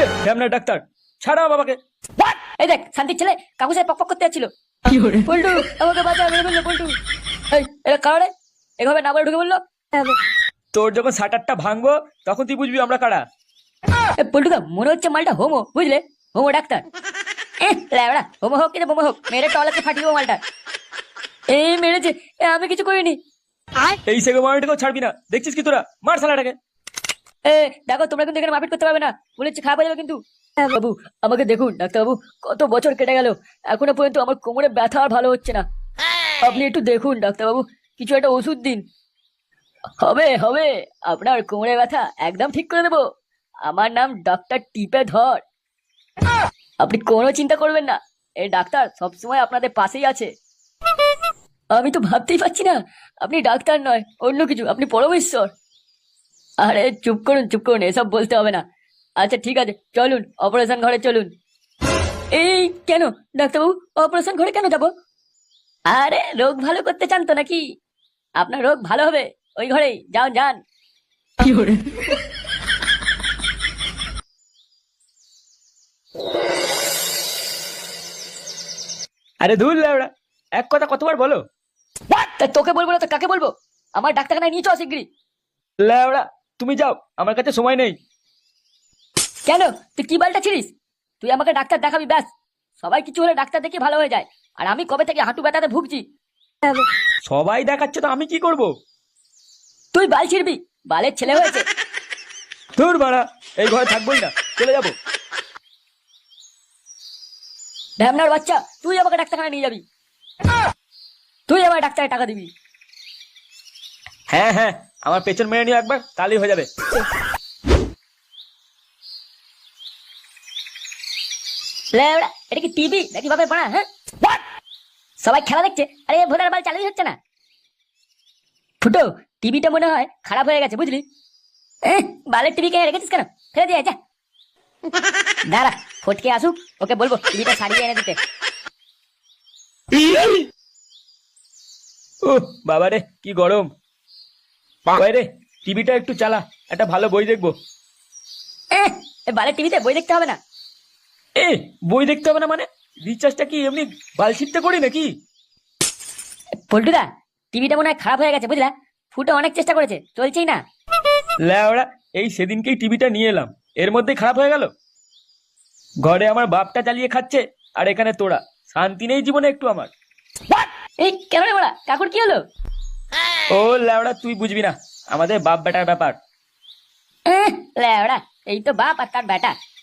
ঢ্যামনা doctor, ছাড়া বাবাকে। এই দেখ শান্তির ছেলে কাকু সাহেব পক পক করতে যাচ্ছিল। পল্টু আমাকে বাঁচা, মেরে ফেললো পল্টু। এই এটা কারে এভাবে না বলে ঢুকে বললো? তোর যখন শাটারটা ভাঙবো তখন তুই বুঝবি আমরা কারা। পল্টুদা মনে হচ্ছে মালটা হোমো, বুঝলে? Homo doctor. ল্যাবড়া হোমো হোক কিন্তু বোমো হোক, মেরে টলাতে ফাটিয়ে দেবো মালটা। এই মেরেছে, আমি কিছু করিনি। এই সেগো মারাটাকেও ছাড়বি না, দেখছিস কি তোরা? মার শালাটাকে। দেখো তোমরা কিন্তু এখানে মারপিট করতে পারবে না, বলেছি খারাপ হয়ে যাবে কিন্তু। বাবু আমাকে দেখুন ডাক্তার বাবু, কত বছর কেটে গেল, এখনো পর্যন্ত আমার কোমরে ব্যথা আর ভালো হচ্ছে না। আপনি একটু দেখুন ডাক্তার বাবু, কিছু একটা ওষুধ দিন। হবে হবে, আপনার কোমরে ব্যথা একদম ঠিক করে দেবো। আমার নাম ডক্টর টিপে ধর। আপনি কোনো চিন্তা করবেন না, এই ডাক্তার সবসময় আপনাদের পাশেই আছে। আমি তো ভাবতেই পারছি না আপনি ডাক্তার নয় অন্য কিছু, আপনি পরমেশ্বর। আরে চুপ করুন চুপ করুন, এসব বলতে হবে না। আচ্ছা ঠিক আছে চলুন অপারেশন ঘরে চলুন। এই কেন ডাক্তারবাবু, অপারেশন ঘরে কেন যাব? আরে রোগ ভালো করতে চান তো নাকি? আপনার রোগ ভালো হবে ওই ঘরেই, যান যান। আরে ধুর ল্যাবড়া, এক কথা কতবার বলো? তা তোকে বলবো না তো কাকে বলবো? আমার ডাক্তারখানায় নিয়ে চল শিগগিরি। ল্যাবড়া তুমি যাও, আমার কাছে সময় নেই। কেন তুই কি বালটা ছিড়িস? তুই আমাকে ডাক্তার দেখাবি ব্যাস। সবাই কিছু হলে ডাক্তার দেখে ভালো হয়ে যায়, আর আমি কবে থেকে হাঁটু ব্যথাতে ভুগছি। সবাই দেখাচ্ছে তো আমি কি করব? তুই বাল ছিড়বি, বালের ছেলে হয়েছে। ধুর বাড়া, এই ঘরে থাকবোই না, চলে যাবো। ঢ্যামনার বাচ্চা, তুই আমাকে ডাক্তারখানা নিয়ে যাবি, তুই আমার ডাক্তারের টাকা দিবি। হ্যাঁ হ্যাঁ, আমার পেছন মেরে নিও একবার, তাহলেই হয়ে যাবে। লেওড়া, এটা কি টিভি নাকি বাপের পাড়া? হ্যাঁ সবাই খেলা দেখছে, আরে ভোটার বাল চালুই হচ্ছে না। ফুটো, টিভিটা মনে হয় খারাপ হয়ে গেছে বুঝলি। বালের টিভি কে রেখেছিস কেন? ফেলে দিয়ে যা। দাঁড়া ফটকে আসুক, ওকে বলবো টিভিটা সারিয়ে এনে দিতে। ও বাবা রে কি গরম। কই রে, টিভিটা একটু চালা, একটা ভালো বই দেখবো। বালের টিভিতে বই দেখতে হবে না। এ বই দেখতে হবে না মানে? রিচার্জটা কি এমনি বালছিটতে করি নাকি? পল্টুদা, টিভিটা মনে হয় খারাপ হয়ে গেছে বুঝলা। ফুটো অনেক চেষ্টা করেছে, চলছেই না। ল্যাওড়া, এই সেদিনকেই টিভিটা নিয়ে এলাম, এর মধ্যেই খারাপ হয়ে গেল। ঘরে আমার বাপটা চালিয়ে খাচ্ছে, আর এখানে তোরা। শান্তি নেই জীবনে একটু আমার। এই কেন রে বড়া, কাকুর কি হলো? ও ল্যাওড়া, তুই বুঝবি না, আমাদের বাপ বেটার ব্যাপার। লেওড়া, এই তো বাপ আর তার বেটা,